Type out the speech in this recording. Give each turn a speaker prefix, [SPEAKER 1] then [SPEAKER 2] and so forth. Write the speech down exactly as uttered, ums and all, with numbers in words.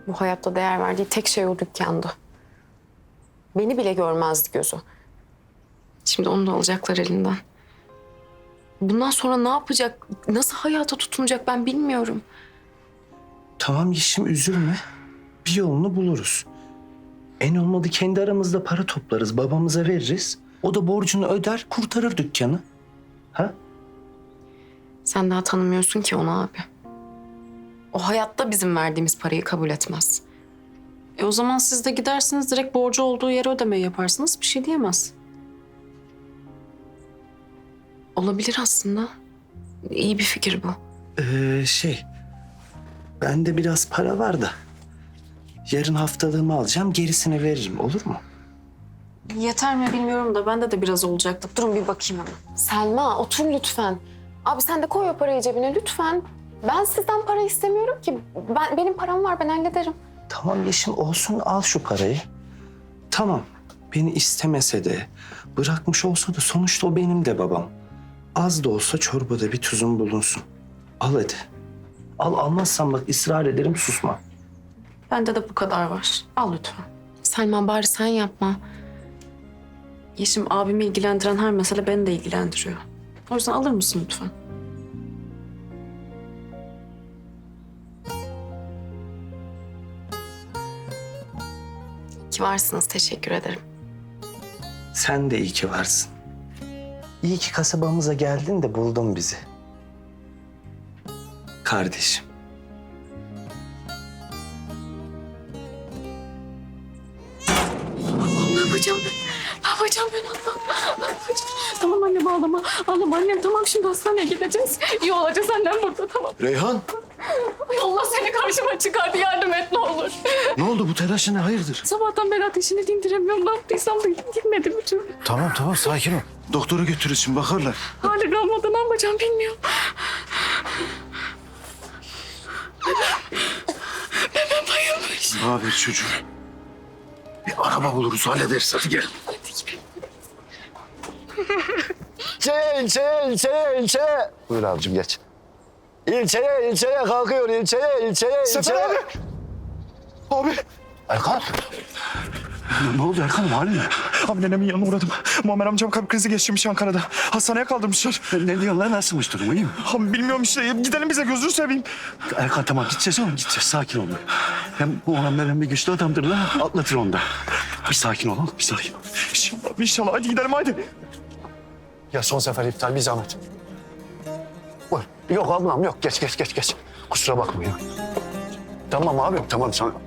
[SPEAKER 1] Bu hayatta değer verdiği tek şey o dükkandı. Beni bile görmezdi gözü. Şimdi onu da alacaklar elinden. Bundan sonra ne yapacak, nasıl hayata tutunacak ben bilmiyorum.
[SPEAKER 2] Tamam Yeşim, üzülme. Bir yolunu buluruz. En olmadı kendi aramızda para toplarız, babamıza veririz. O da borcunu öder, kurtarır dükkanı. Ha?
[SPEAKER 1] Sen daha tanımıyorsun ki onu abi. O hayatta bizim verdiğimiz parayı kabul etmez.
[SPEAKER 3] E o zaman siz de gidersiniz direkt borcu olduğu yere ödemeyi yaparsınız. Bir şey diyemez.
[SPEAKER 1] Olabilir aslında. İyi bir fikir bu.
[SPEAKER 2] Ee, şey, bende biraz para var da. Yarın haftalığımı alacağım, gerisini veririm, olur mu?
[SPEAKER 3] Yeter mi bilmiyorum da bende de biraz olacaktı. Durun bir bakayım hemen.
[SPEAKER 1] Selma otur lütfen. Abi sen de koy o parayı cebine lütfen. Ben sizden para istemiyorum ki. Ben benim param var, ben hallederim.
[SPEAKER 2] Tamam Yeşim, olsun, al şu parayı. Tamam, beni istemese de, bırakmış olsa da sonuçta o benim de babam. Az da olsa çorbada bir tuzun bulunsun. Al hadi. Al, almazsan bak ısrar ederim, susma.
[SPEAKER 3] Bende de bu kadar var. Al lütfen.
[SPEAKER 1] Selma bari sen yapma.
[SPEAKER 3] Yeşim, abimi ilgilendiren her mesele beni de ilgilendiriyor. O yüzden alır mısın lütfen?
[SPEAKER 1] İyi ki varsınız, teşekkür ederim.
[SPEAKER 2] Sen de iyi ki varsın. İyi ki kasabamıza geldin de buldun bizi. Kardeşim.
[SPEAKER 1] Ne yapacağım ben? Ne yapacağım ben Allah'ım? Ne yapacağım? Tamam annem ağlama. Ağlama annem, tamam şimdi hastaneye gideceğiz. İyi olacağız annem burada, tamam.
[SPEAKER 4] Reyhan,
[SPEAKER 1] Ay Allah seni karşıma çıkardı, yardım et ne olur.
[SPEAKER 4] ne oldu bu telaşı ne hayırdır?
[SPEAKER 1] Sabahtan beri ateşini dindiremiyorum. Ne yaptıysam da gitmedi bir türlü.
[SPEAKER 4] Tamam tamam sakin ol. Doktora götürürüz şimdi bakarlar.
[SPEAKER 1] Hali kalmadı, ne yapacağım bilmiyorum. Bebem bayılmış.
[SPEAKER 4] Ne haber çocuğum? Bir araba buluruz hallederiz hadi gel.
[SPEAKER 5] İlçeye, ilçeye, ilçeye, ilçeye. Buyur abicim geç. İlçeye, ilçeye kalkıyor. İlçeye, ilçeye,
[SPEAKER 4] Sefer
[SPEAKER 5] ilçeye.
[SPEAKER 4] abi. Abi.
[SPEAKER 5] Erkan.
[SPEAKER 4] Ne, ne oldu Erkan'ım halin ne?
[SPEAKER 6] Abi nenemin yanına uğradım. Muammer amcam kalp krizi geçirmiş Ankara'da. Hastaneye kaldırmışlar.
[SPEAKER 4] Ne, ne diyorsun lan nasılmış durumu iyi mi?
[SPEAKER 6] Abi bilmiyorum işte. Gidelim bize gözünü seveyim.
[SPEAKER 4] Erkan tamam gideceğiz oğlum gideceğiz sakin ol. Hem bu olan veren bir güçlü adamdır lan atlatır onu da. Bir sakin ol oğlum bir sakin ol.
[SPEAKER 6] İnşallah, inşallah. Hadi gidelim hadi.
[SPEAKER 5] Ya son sefer iptal bir zahmet. Buyur. Yok ablam yok. Geç, geç, geç, geç. Kusura bakma ya. Tamam abi, tamam. Sen